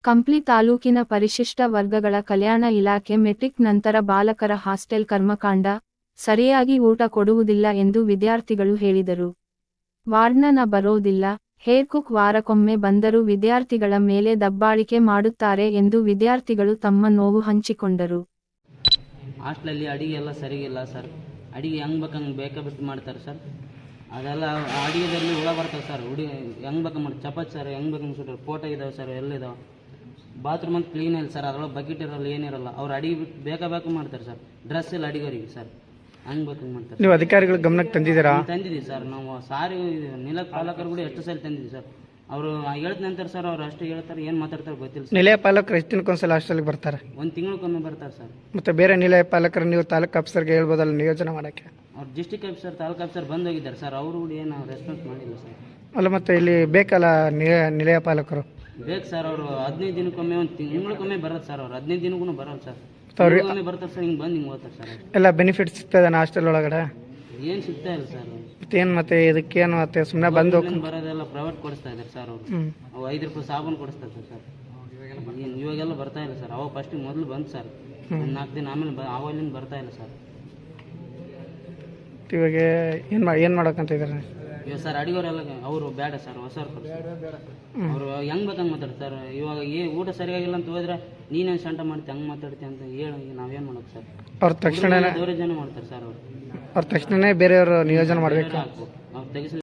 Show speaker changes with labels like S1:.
S1: ಕಂಪ್ಲಿ ತಾಲೂಕಿನ ಪರಿಶಿಷ್ಟ ವರ್ಗಗಳ ಕಲ್ಯಾಣ ಇಲಾಖೆ ಮೆಟ್ರಿಕ್ ನಂತರ ಬಾಲಕರ ಹಾಸ್ಟೆಲ್ ಕರ್ಮಕಾಂಡ, ಸರಿಯಾಗಿ ಊಟ ಕೊಡುವುದಿಲ್ಲ ಎಂದು ವಿದ್ಯಾರ್ಥಿಗಳು ಹೇಳಿದರು. ವಾರ್ಡನ್ ಬರೋದಿಲ್ಲ, ಹೇರ್ ಕುಕ್ ವಾರಕ್ಕೊಮ್ಮೆ ಬಂದರೂ ವಿದ್ಯಾರ್ಥಿಗಳ ಮೇಲೆ ದಬ್ಬಾಳಿಕೆ ಮಾಡುತ್ತಾರೆ ಎಂದು ವಿದ್ಯಾರ್ಥಿಗಳು ತಮ್ಮ ನೋವು ಹಂಚಿಕೊಂಡರು.
S2: ಹಾಸ್ಟೆಲಲ್ಲಿ ಅಡಿಗೆ ಎಲ್ಲ ಸರಿಗಿಲ್ಲ ಸರ್. ಅಡಿಗೆ ಹೆಂಗೆ ಬೇಕಂಗೆ ಬೇಕಾಬಿಟ್ಟು ಮಾಡ್ತಾರೆ ಸರ್. ಅದೆಲ್ಲ ಅಡಿಗೆದಲ್ಲಿ ಹುಳ ಬರ್ತವೆ ಸರ್. ಹೆಂಗೆ ಬೇಕಂಗೆ ಮಾಡಿ ಚಪಾತಿ ಸರ್ ಹೆಂಗೆ ಬೇಕಂಗೆ ಸುಟ್ಟರು ಫೋಟೋ ಇದಾವೆ ಸರ್, ಎಲ್ಲಿದಾವೆ. ಬಾತ್ರೂಮ್ ಅಂತ ಕ್ಲೀನ್ ಇಲ್ಲ ಸರ್, ಅದರೊಳಗೆ ಬಕೆಟ್ ಇರಲ್ಲ, ಏನಿರಲ್ಲ. ಅವ್ರು ಅಡಿಗೆ ಬಿಟ್ಟು ಬೇಕು ಮಾಡ್ತಾರೆ ಸರ್. ಡ್ರೆಸ್ ಇಲ್ಲ ಅಡಿಗೆರಿಗೆ ಸರ್, ಹಂಗೆ ಬೇಕಂಗೆ ಮಾಡ್ತಾರೆ.
S3: ನೀವು ಅಧಿಕಾರಿಗಳ ಗಮನಕ್ಕೆ ತಂದಿದ್ದೀರಾ?
S2: ತಂದಿದ್ದೀವಿ ಸರ್. ನಾವು ಸಾರಿ ನಿಲಯ ಪಾಲಕರು ಕೂಡ ಎಷ್ಟು ಸಲ ತಂದಿದ್ದೀವಿ ಸರ್. ಅವರು ಹೇಳ್ತ ನಂತರ ಸರ್ ಅವ್ರು ಅಷ್ಟೇ ಹೇಳ್ತಾರೆ, ಏನು ಮಾತಾಡ್ತಾರೆ ಗೊತ್ತಿಲ್ಲ ಸರ್.
S3: ನಿಲಯ ಪಾಲಕರು ಎಷ್ಟು ದಿನಕ್ಕೊಂದ್ಸಲ ಹಾಸ್ಟೆಲ್ಗೆ ಬರ್ತಾರೆ?
S2: ಒಂದು ತಿಂಗಳಿಗೊಮ್ಮೆ ಬರ್ತಾರೆ ಸರ್.
S3: ಮತ್ತೆ ಬೇರೆ ನಿಲಯ ಪಾಲಕರು ನೀವು ತಾಲೂಕು ಆಫೀಸರ್ಗೆ ಹೇಳ್ಬೋದಲ್ಲ ನಿಯೋಜನೆ ಮಾಡೋಕ್ಕೆ?
S2: ಅವ್ರು ಡಿಸ್ಟಿಕ್ ಆಫೀಸರ್ ತಾಲೂಕು ಆಫೀಸರ್ ಬಂದು ಹೋಗಿದ್ದಾರೆ ಸರ್. ಅವರು ಕೂಡ ಏನು ರೆಸ್ಪಾನ್ಸ್ ಮಾಡಿಲ್ಲ ಸರ್.
S3: ಅಲ್ಲ ಮತ್ತೆ ಇಲ್ಲಿ ಬೇಕಲ್ಲ ನಿಲಯ ಪಾಲಕರು?
S2: ಬೇಕು ಸರ್. ಅವರು 15 ದಿನಕ್ಕೊಮ್ಮೆ ಒಂದು ತಿಂಗಳಿಗೊಮ್ಮೆ ಬರೋದು ಸರ್. ಅವ್ರು 15 ದಿನಕ್ಕೂ ಬರೋಲ್ಲ ಸರ್. ಒಮ್ಮೆ ಬರ್ತಾರೆ ಸರ್, ಹಿಂಗೆ ಬಂದು ಹಿಂಗೆ ಹೋಗ್ತಾರೆ ಸರ್.
S3: ಎಲ್ಲ ಬೆನಿಫಿಟ್ಸ್ ಸಿಗ್ತದೆ ಹಾಸ್ಟೆಲ್ ಒಳಗಡೆ?
S2: ಏನು ಸಿಗ್ತಾ ಇಲ್ಲ ಸರ್.
S3: ಮತ್ತೇನು ಮತ್ತೆ ಇದಕ್ಕೇನು ಮತ್ತೆ ಸುಮ್ಮನೆ ಬಂದು
S2: ಬರೋದೆಲ್ಲ ಪ್ರೈವೇಟ್ ಕೊಡಿಸ್ತಾ ಇದ್ದಾರೆ ಸರ್. ಅವರು ಅವು 5 ರೂಪಾಯಿ ಸಾಬೂನು ಕೊಡಿಸ್ತಾ ಇದ್ದಾರೆ ಸರ್. ಏನು ಇವಾಗೆಲ್ಲ ಬರ್ತಾ ಇಲ್ಲ ಸರ್. ಅವಾಗ ಫಸ್ಟಿಗೆ ಮೊದಲು ಬಂದು ಸರ್, ಒಂದು 4 ದಿನ ಆಮೇಲೆ ಅವಾಗಿಂದ ಬರ್ತಾ ಇಲ್ಲ ಸರ್.
S3: ಇವಾಗ ಏನು ಮಾಡೋಕ್ಕಂತ ಇದ್ದಾರೆ
S2: ಇವಾಗ ಸರ್ ಅಡಿಗೋರೆಲ್ಲ ಅವರು ಬೇಡ ಸರ್, ಹೊಸವ್ರು ಅವರು ಹೆಂಗೆ ಬೇಕಂಗೆ ಮಾತಾಡ್ತಾರೆ ಸರ್. ಇವಾಗ ಊಟ ಸರಿಯಾಗಿಲ್ಲ ಅಂತ ಹೋದ್ರೆ ನೀನೇನು ಸಂಟ ಮಾಡ್ತಿ ಹಂಗೆ ಮಾತಾಡ್ತಿ ಅಂತ ಹೇಳಿ ನಾವೇನು ಮಾಡೋದು ಸರ್.
S3: ಅವ್ರ ತಕ್ಷಣ
S2: ದೌರ್ಜನ್ಯ ಮಾಡ್ತಾರೆ ಸರ್. ಅವರು
S3: ತಕ್ಷಣನೇ ಬೇರೆಯವರು ನಿಯೋಜನೆ ಮಾಡಬೇಕು.
S2: ಅವ್ರು ತೆಗಿಸಿ